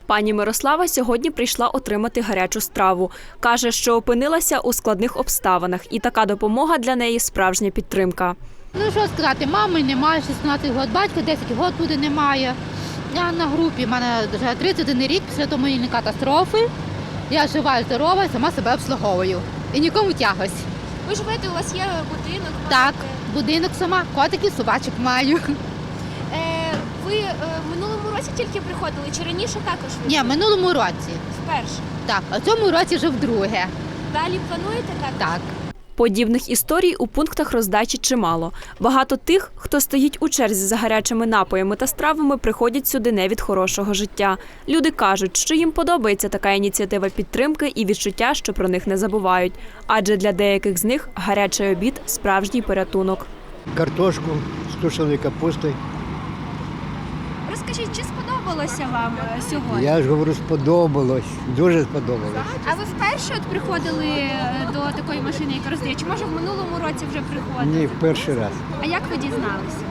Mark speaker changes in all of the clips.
Speaker 1: Пані Мирослава сьогодні прийшла отримати гарячу страву. Каже, що опинилася у складних обставинах, і така допомога для неї – справжня підтримка.
Speaker 2: Ну, що сказати, мами немає, 16 років, батька 10 років буде немає. Я на групі, в мене вже 31 рік після автомобільної катастрофи. Я жива і здорова, сама себе обслуговую. І нікому тягось.
Speaker 3: Ви живете, у вас є будинок?
Speaker 2: Так, будинок сама, котиків, собачок маю.
Speaker 3: Ви в минулому році тільки приходили, чи раніше також?
Speaker 2: Ні, в минулому році.
Speaker 3: Вперше.
Speaker 2: Так, а в цьому році вже вдруге.
Speaker 3: Далі плануєте також?
Speaker 2: Так.
Speaker 1: Подібних історій у пунктах роздачі чимало. Багато тих, хто стоїть у черзі за гарячими напоями та стравами, приходять сюди не від хорошого життя. Люди кажуть, що їм подобається така ініціатива підтримки і відчуття, що про них не забувають. Адже для деяких з них гарячий обід – справжній порятунок.
Speaker 4: Картошку з тушеною капустою.
Speaker 3: Розкажіть, чи сподобалося вам сьогодні?
Speaker 4: Я ж говорю, сподобалось, дуже сподобалось.
Speaker 3: А ви вперше от приходили до такої машини, яка роздає? Чи може в минулому році вже приходили?
Speaker 4: Ні, в перший раз.
Speaker 3: А як ви дізналися?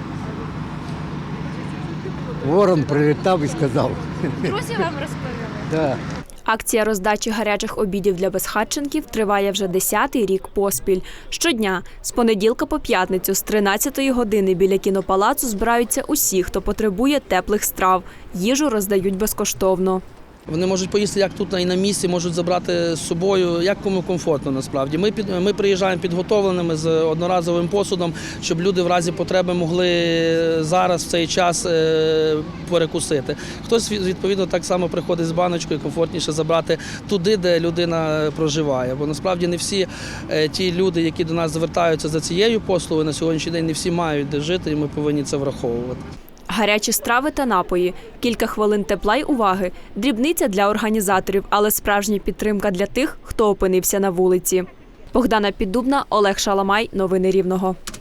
Speaker 4: Ворон прилітав і сказав.
Speaker 3: Друзі вам розповіли?
Speaker 4: Так.
Speaker 1: Акція роздачі гарячих обідів для безхатченків триває вже 10-й рік поспіль. Щодня, з понеділка по п'ятницю, з 13-ї години біля кінопалацу збираються усі, хто потребує теплих страв. Їжу роздають безкоштовно.
Speaker 5: Вони можуть поїсти як тут і на місці, можуть забрати з собою, як кому комфортно насправді. Ми приїжджаємо підготовленими з одноразовим посудом, щоб люди в разі потреби могли зараз в цей час перекусити. Хтось, відповідно, так само приходить з баночкою, комфортніше забрати туди, де людина проживає. Бо насправді не всі ті люди, які до нас звертаються за цією послугою, на сьогоднішній день не всі мають де жити, і ми повинні це враховувати.
Speaker 1: Гарячі страви та напої, кілька хвилин тепла й уваги – дрібниця для організаторів, але справжня підтримка для тих, хто опинився на вулиці. Богдана Піддубна, Олег Шаламай. Новини Рівного.